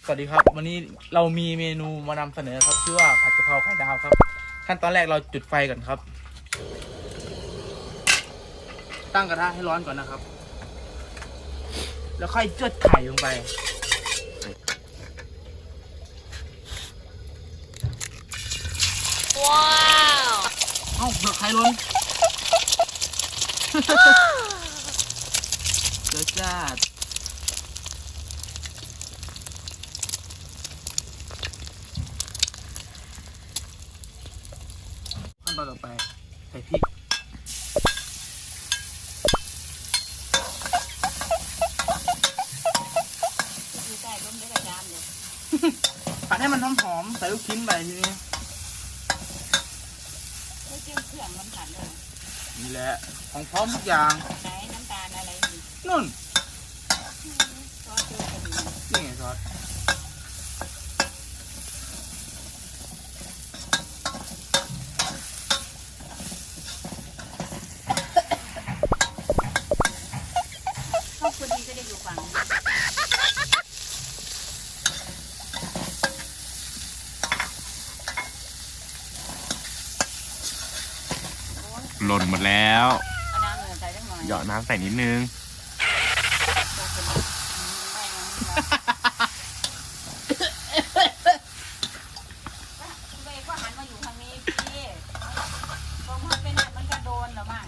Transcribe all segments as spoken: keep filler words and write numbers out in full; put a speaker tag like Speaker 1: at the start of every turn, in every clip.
Speaker 1: สวัสดีครับวันนี้เรามีเมนูมานำเสนอครับชื่อว่าผัดกะเพราไข่ดาวครับขั้นตอนแรกเราจุดไฟก่อนครับตั้งกระทะให้ร้อนก่อนนะครับแล้วค่อยเจือดไข่ลงไปว้าวเอ้าเดือดไข่ล้นเดือดจ้าขั้นตอนต่อไปใส่พริกผัดให้มันหอมๆใส่ลูกชิ้นไปทีนี้
Speaker 2: ไม่เกี่ยวเครื่องน้ำตาลเลย
Speaker 1: นี่แหละของพร้อมทุกอย่าง
Speaker 2: ไหนน้ำตาลอะไรนี่
Speaker 1: นุ่น
Speaker 2: ซอสเกลือก็มี
Speaker 1: นี่ไงซอส
Speaker 2: ครอบครัวดีก็ได้อยู่ฝั่ง
Speaker 3: หล่นหมดแล้ว
Speaker 2: เอาน้ำเหนือใส่สักหน่อย
Speaker 3: หยอดน้ำใส่นิดนึง
Speaker 2: เบย์ก็หันมาอยู่ทางนี้พี่พอมันเป็นมันก็โดนหรอมั่ง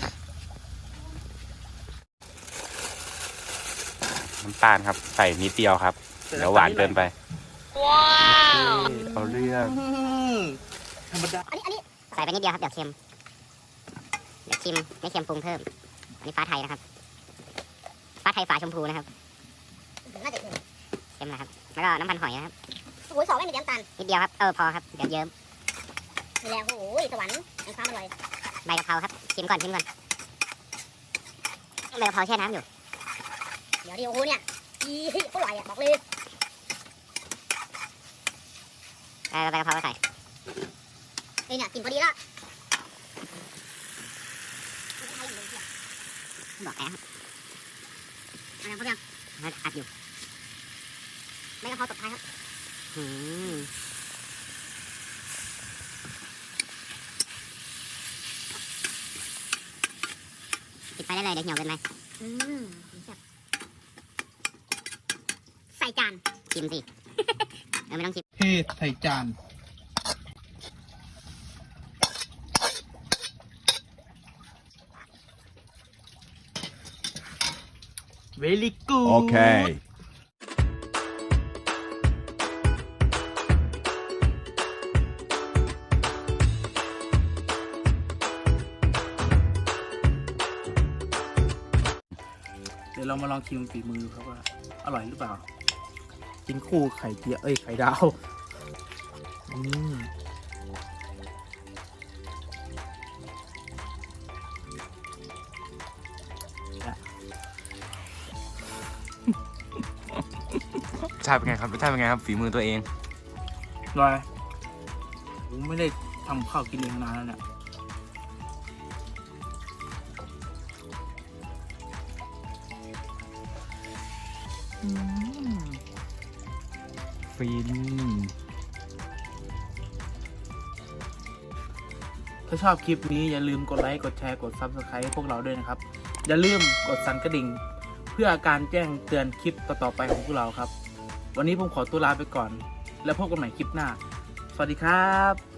Speaker 3: น้ำตาลครับใส่นิดเดียวครับเดี๋ยวหวานเกินไป
Speaker 2: ว้าว
Speaker 3: เอาเรื่อง
Speaker 1: ธรรมดา
Speaker 4: อันนี้อันนี้ใส่ไปนิดเดียวครับเดี๋ยวเค็มเดี๋ยวชิมไม่เค็มปรุงเพิ่มอันนี้ฟ้าไทยนะครับฟ้าไทยฝาชมพูนะครับน่าจะเค็มเค็มนะครับแล้วก็น้ำมันหอยนะครับโอ้โหสองไม่มีน้ำตาลนิดเดียวครับเออพอครับเดี๋ยวเยิ้มนี่แหละโอ้โหสวรรค์แห่งความอร่อยใบกะเพราครับชิมก่อนชิมก่อนใบกะเพราแช่น้ำอยู่เดี๋ยวดิโอ้โหเนี่ยอีอร่อยอ่ะบอกเลยเออใบกะเพราก็ใส่เอ้ยเนี่ยกินพอดีละบอกแล้วอะไรเขาเรียกอัดอยู่ไม่กระเพราตบท้ายครับอืมปิดไฟได้เลยเดี๋ยวเหี่ยวเกินไปอืมใส่จานชิมสิเออไม่ต้องชิม
Speaker 1: เทใส่จานVery good
Speaker 3: โอเค
Speaker 1: เดี๋ยวเรามาลองชิมฝีมือดูครับว่าอร่อยหรือเปล่ากินคู่ไข่เจียวเอ้ยไข่ดาวอืม
Speaker 3: รสชาติเป็นไงครับรสชาติเป็นไงครับฝีมือตัวเอง
Speaker 1: อร่อยผมไม่ได้ทำข้าวกินเองนานแล้วเนี่ย
Speaker 3: ฟิน
Speaker 1: ถ้าชอบคลิปนี้อย่าลืมกดไลค์กดแชร์กด ซับสไครบ์ พวกเราด้วยนะครับอย่าลืมกดสั่นกระดิ่งเพื่อการแจ้งเตือนคลิปต่อๆไปของพวกเราครับวันนี้ผมขอตัวลาไปก่อนแล้วพบกันใหม่คลิปหน้าสวัสดีครับ